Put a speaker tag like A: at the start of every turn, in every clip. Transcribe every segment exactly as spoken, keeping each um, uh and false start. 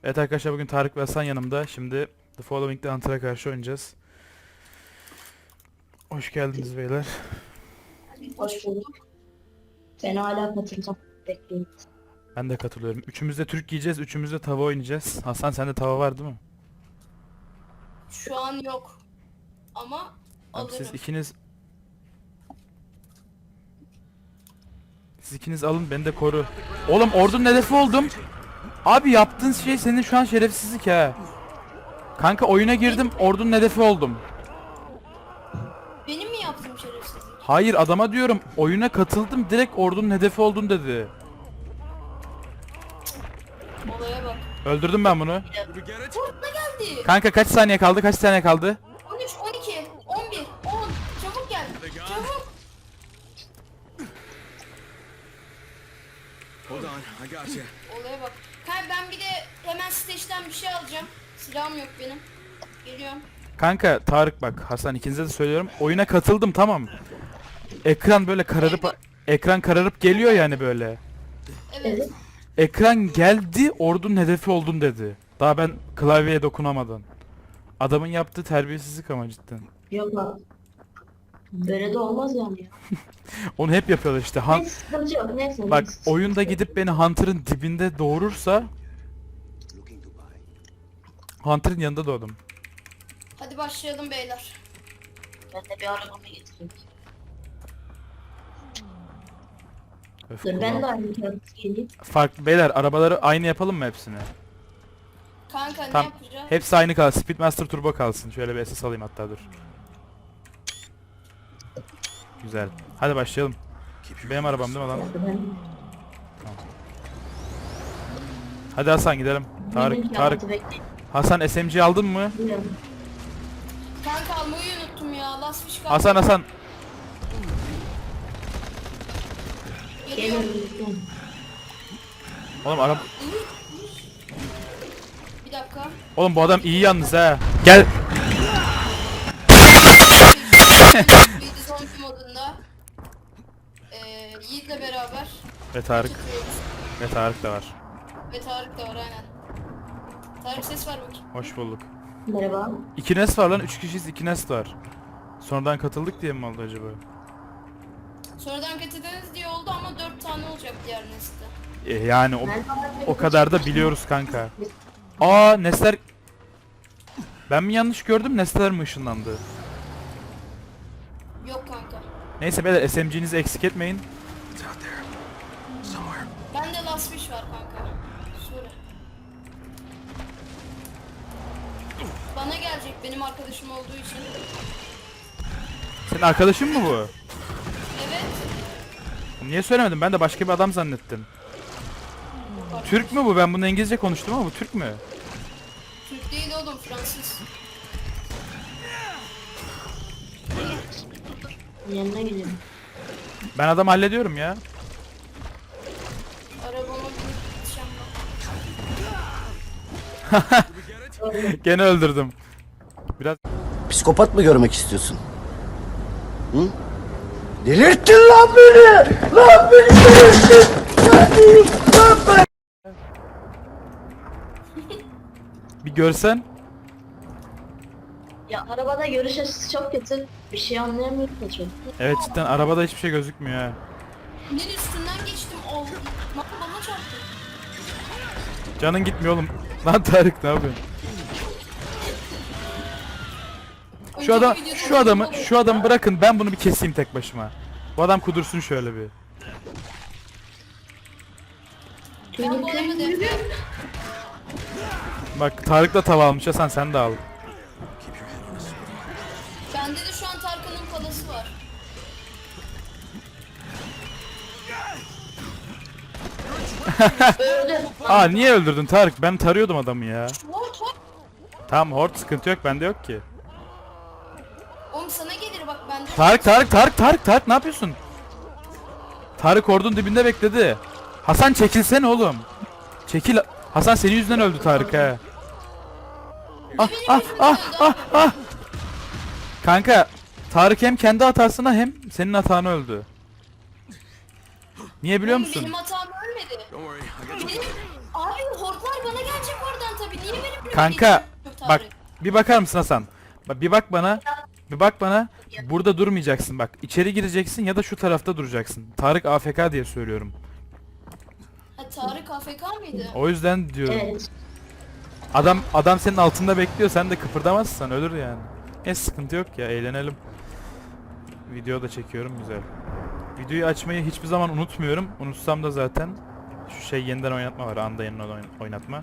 A: Evet arkadaşlar, bugün Tarık ve Hasan yanımda. Şimdi The Following'de Hunter'a karşı oynayacağız. Hoş geldiniz beyler.
B: Hoş bulduk. Ben hala katılacağım. Bekleyin.
A: Ben de katılıyorum. Üçümüz de Türk giyeceğiz, üçümüz de tava oynayacağız. Hasan, sende tava var değil mi?
C: Şu an yok. Ama
A: Tamam, siz
C: alırım.
A: ikiniz... Siz ikiniz alın, beni de koru. Oğlum, ordunun hedefi oldum. Abi yaptığın şey senin şu an şerefsizlik ha. Kanka oyuna girdim, ordunun hedefi oldum.
C: Benim mi yaptığım şerefsizlik?
A: Hayır, adama diyorum, oyuna katıldım, direkt ordunun hedefi oldun dedi.
C: Olaya bak.
A: Öldürdüm ben bunu.
C: Fortuna geldi.
A: Kanka kaç saniye kaldı? Kaç saniye kaldı?
C: on üç, on iki, on bir, on. Çabuk gel. Çabuk.
D: Hold on, I got you.
C: Olaya bak. Kanka ben bir de hemen stage'den bir şey alacağım. Silahım yok benim. Geliyorum.
A: Kanka Tarık, bak Hasan, ikinize de söylüyorum. Oyuna katıldım, tamam. Ekran böyle kararıp ekran kararıp geliyor yani böyle.
C: Evet.
A: Ekran geldi, ordunun hedefi oldun dedi. Daha ben klavyeye dokunamadan. Adamın yaptığı terbiyesizlik ama cidden.
B: Yok abi. Böyle de olmaz yani ya.
A: Onu hep yapıyorlar işte. Han
B: Neyse sıkıntı yok. Neyse.
A: bak,
B: neyse.
A: oyunda gidip beni Hunter'ın dibinde doğurursa Hunter'ın yanında doğdum.
C: Hadi başlayalım beyler.
B: Ben de bir arabamı getireyim.
A: Öf,
B: Dur ben de
A: kulağım.
B: aynı kağıt geleyim.
A: Farklı beyler, arabaları aynı yapalım mı hepsini?
C: Kanka
A: Tamam.
C: ne yapacağız?
A: Hepsi aynı kalsın. Speedmaster Turbo kalsın. Şöyle bir S S alayım hatta, dur. Güzel. Hadi başlayalım. Benim arabam değil mi lan?
B: Ben
A: Hadi Hasan, gidelim. Tarık,
B: benim
A: Tarık.
B: kağıtı bekleyin.
A: Hasan, S M G aldın mı?
B: Bilmiyorum.
C: Kanka almayı unuttum ya. Last fish kaldı.
A: Hasan, Hasan.
C: Geliyorum.
B: Geliyorum. bekleyin.
A: Oğlum araba...
C: Bir dakika.
A: Oğlum bu adam iyi yalnız ha. Gel.
C: Bildi zombi modunda. Ee, Yiğit'le beraber
A: Ve Tarık.
C: tutuyoruz.
A: Ve Tarık da var.
C: Ve Tarık da var aynen. Tarık ses ver bakayım.
A: Hoş bulduk.
B: Merhaba.
A: İki Nest var lan. Üç kişiyiz, iki Nest var. Sonradan katıldık diye mi oldu acaba?
C: Sonradan katıldınız diye oldu ama dört tane olacak diğer nesli.
A: E, yani o,
B: Ben
A: o kadar da biliyoruz kanka. Aa, Nestler... Ben mi yanlış gördüm, Nestler mi ışınlandı?
C: Yok kanka.
A: Neyse beyler, S M G'nizi eksik etmeyin.
D: It's out there. Somewhere.
C: Bende last fish var kanka. Söyle. Bana gelecek benim arkadaşım olduğu için.
A: Senin arkadaşın mı bu?
C: Evet.
A: Niye söylemedin? Ben de başka bir adam zannettim. Türk mü bu? Ben bunu İngilizce konuştum ama bu Türk mü?
C: Türk değil oğlum, Fransız.
B: yanına gidiyorum.
A: Ben adam hallediyorum ya.
C: Arabama binip gideceğim bak.
A: Gene öldürdüm. Biraz
E: Psikopat mı görmek istiyorsun? Hı? Delirttin lan beni! Lan beni delirttin! Lan, lan ben...
A: bir görsen.
B: Ya arabada görüş açısı çok kötü. Bir şey anlayamıyorum da çok.
A: Evet, cidden arabada hiçbir şey gözükmüyor ha.
C: Nin üstünden geçtim. Oh, lan bana çarptı.
A: Canın gitmiyor oğlum. Lan Tarık, ne yapıyorsun? Şu
C: Önceki
A: adam,
C: videoda
A: şu adamı,
C: oldu.
A: şu adamı bırakın, ben bunu bir keseyim tek başıma. Bu adam kudursun şöyle bir.
C: Ben bu adamı defne.
A: Bak, Tarık da tava almış, Hasan sen de al.
C: Bende de şu an Tarkan'ın palası var.
B: Öldü.
A: Aa, niye öldürdün Tarık? Ben tarıyordum adamı ya.
C: What what?
A: Tamam, hort, sıkıntı yok, bende yok ki.
C: Oğlum sana gelir bak bende.
A: Tarık, Tarık, Tarık, Tarık, Tarık, ne yapıyorsun? Tarık ordunun dibinde bekledi. Hasan çekilsene oğlum. Çekil. Hasan, senin yüzünden öldü Tarık ha. Ah ah ah ah ah. Kanka, Tarık hem kendi hatasına hem senin hatana öldü. Niye biliyor
C: Oğlum
A: musun?
C: benim hatam ölmedi.
D: Don't worry, I got you.
C: Benim... Abi hortlar bana gelecek oradan
A: Kanka
C: Tarık.
A: bak bir bakar mısın Hasan? Bak bir bak bana. Bir bak bana. Burada durmayacaksın bak. İçeri gireceksin ya da şu tarafta duracaksın. Tarık A F K diye söylüyorum.
C: Ha, Tarık A F K mıydı?
A: O yüzden diyorum.
B: Evet.
A: Adam adam senin altında bekliyor. Sen de kıpırdamazsan ölür yani. Ne sıkıntı yok ya, eğlenelim. Video da çekiyorum, güzel. Videoyu açmayı hiçbir zaman unutmuyorum. Unutsam da zaten şu şey yeniden oynatma var. Anda yeniden oyn- oynatma.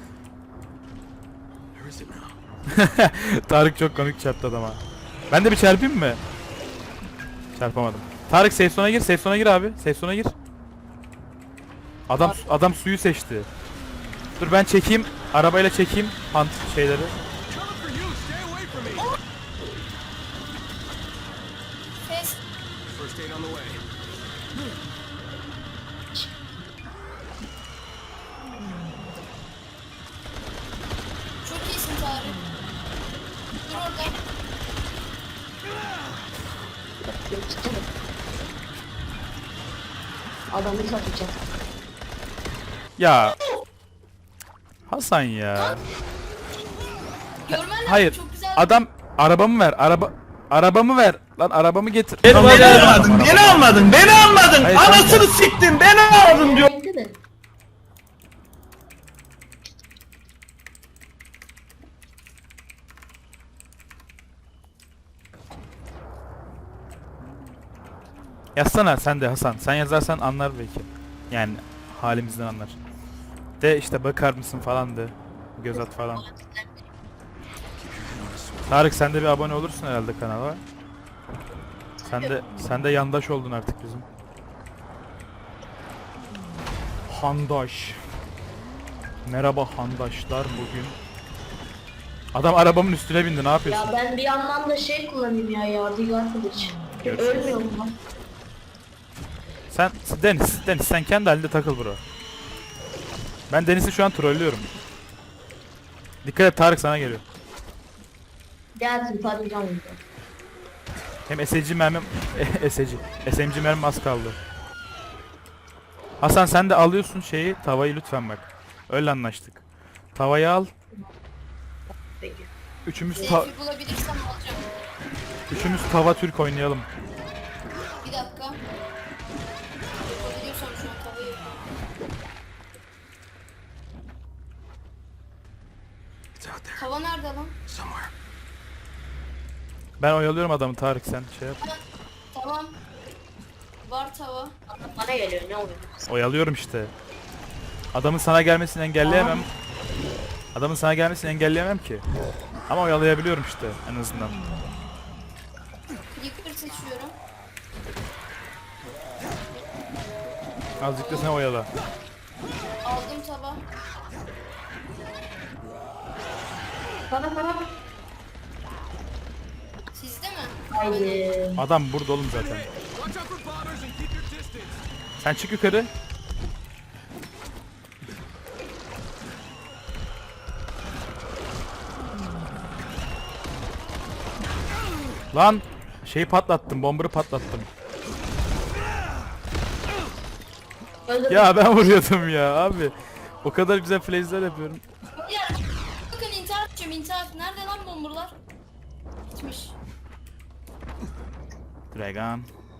D: Where is it now?
A: Tarık çok komik çarptı adama. Ben de bir çarpayım mı? Çarpamadım. Tarık safe zone'a gir, safe zone'a gir abi. Safe zone'a gir. Adam adam suyu seçti. Dur ben çekeyim. Arabayla çekeyim hunt şeyleri.
D: Coming for you. Stay away from me.
C: Fes.
D: First aid on the way.
C: Çok iyisin Tarık. Dur orada.
B: Adamı satacak.
A: Ya Hasan ya.
C: Görmen lazım,
A: Hayır.
C: çok güzel.
A: Adam arabamı ver. Araba arabamı ver. Lan arabamı getir.
F: Beni almadın, beni almadın, beni almadın.
A: Hayır,
F: Anasını
A: kanka.
F: siktin, beni aldın diyor.
B: Bekle de.
A: Yazsana sen de Hasan. Sen yazarsan anlar belki. Yani halimizden anlar. De işte bakar mısın falan de. Göz at falan. Tarık sen de bir abone olursun herhalde kanala. Sen de sen de yandaş oldun artık bizim. Handaş. Merhaba handaşlar bugün. Adam arabamın üstüne bindi, ne yapıyorsun?
B: Ya ben bir yandan da şey kullanayım ya, yadigar kılıç.
A: Görüşürüz.
B: Ölmüyorum lan.
A: Sen Deniz, Deniz sen kendi halinde takıl bro. Ben Deniz'i şu an trollüyorum. Dikkat et, Tarık sana geliyor.
B: Gelsin patlayacağım burada.
A: Hem S M G mermim S M G S M G mermim az kaldı. Hasan sen de alıyorsun şeyi, tavayı lütfen bak. Öyle anlaştık. Tavayı al.
B: Peki.
A: Üçümüz ta
C: Seyfi bulabilirsem alacağım.
A: üçümüz tava Türk oynayalım.
C: Bir dakika. Yapabiliyorsam şu an tavayı.
D: It's out there.
C: Tava nerede lan?
D: Somewhere.
A: Ben oyalıyorum adamı, Tarık sen şey yap.
C: Tamam. Var tava.
B: Bana geliyor, ne oluyor?
A: Oyalıyorum işte. Adamın sana gelmesini engelleyemem. Adamın sana gelmesini engelleyemem ki. Ama oyalayabiliyorum işte en azından.
C: Clicker seçiyorum.
A: Azıcık da sen oyala.
C: Aldım tava.
B: Bana bana.
C: Sizde mi?
B: Haydi.
A: Adam burada oğlum zaten.
D: Watch out for bombers and keep your distance.
A: Sen çık yukarı. Lan şeyi patlattım, bombarı patlattım.
B: Öldür.
A: Ya ben vuruyordum ya abi. O kadar güzel flash'ler yapıyorum.
C: Ya bakın intihar edeceğim, intihar. Nerede lan bomburlar? Gitmiş.
A: Dragon.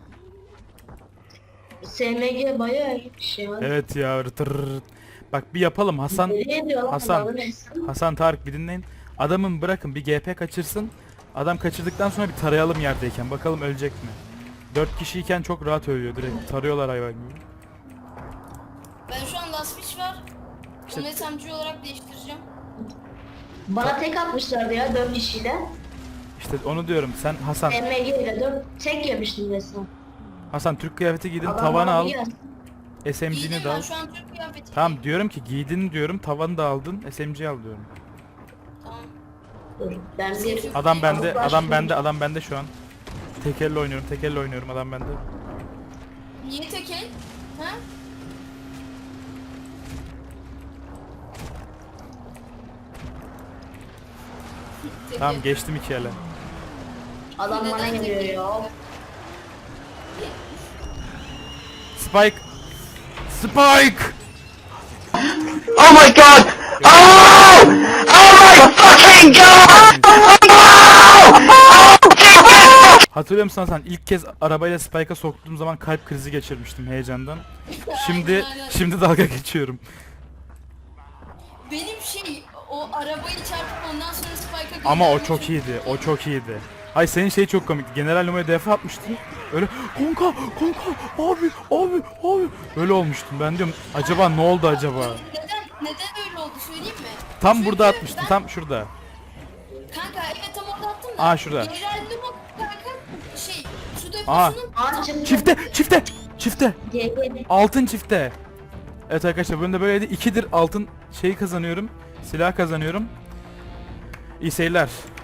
B: S M G bayağı iyi bir şey var.
A: Evet ya. Rıtır. Bak bir yapalım Hasan.
B: Nereye diyor lan
A: Hasan.
B: adamı, neyse.
A: Hasan Tarık bir dinleyin. Adamın bırakın bir G P kaçırsın. Adam kaçırdıktan sonra bir tarayalım yerdeyken. Bakalım ölecek mi? Dört kişiyken çok rahat ölüyor direkt. Tarıyorlar hayvan gibi.
C: Ben şu an last pitch var. Bunu S M G olarak değiştireceğim.
B: Bana tek atmışlardı ya dört kişiyle.
A: İşte onu diyorum. Sen Hasan.
B: M G ile dört tek yemiştim resmen.
A: Hasan Türk kıyafeti giydin,
B: Adam
A: tavanı
B: bana
A: al.
B: bir gelsin.
A: S M G'ni
C: Giydim
A: de al.
C: ben şu an Türk kıyafeti.
A: Tamam diyorum ki giydin diyorum, tavanı da aldın, S M G al diyorum.
C: Tamam.
B: Dur ben bir...
A: Adam bende,
B: Avuklar
A: adam
B: şimdi-
A: bende, adam bende şu an. Tek elle oynuyorum, tek elle oynuyorum, adam bende.
C: Niye tek el? Ha? Tek
A: Tamam
C: el.
A: geçtim iki ele.
B: Adam bana
C: Neden tek
B: geliyor
C: el?
B: ya.
A: Spike! Spike!
F: Oh my god! Oh! Oh my
A: Hatırlıyor musun Hasan? İlk kez arabayla Spike'a soktuğum zaman kalp krizi geçirmiştim heyecandan. Şimdi
C: Aynen, aynen.
A: şimdi dalga geçiyorum.
C: Benim şey o arabayı çarpıp ondan sonra Spike'a
A: Ama o
C: göndermek
A: çok iyiydi. O çok iyiydi. Ay senin şey çok komikti. General Numo'ya defa atmıştın. Öyle kanka kanka abi abi abi. Öyle olmuştum. Ben diyorum acaba ne oldu acaba?
C: Neden neden öyle oldu söyleyeyim mi?
A: Tam
C: Çünkü
A: burada atmıştın.
C: ben-
A: Tam şurada.
C: Kanka evet tam orada attım da.
A: Aa, şurada.
C: General Nemo kanka şey su
A: Aa.
C: deposunun
B: Aa çıktı.
A: Çifte çifte çifte.
B: G G.
A: Altın çifte. Evet arkadaşlar bugün de böyleydi. ikidir altın şeyi kazanıyorum. Silah kazanıyorum. İyi seyirler.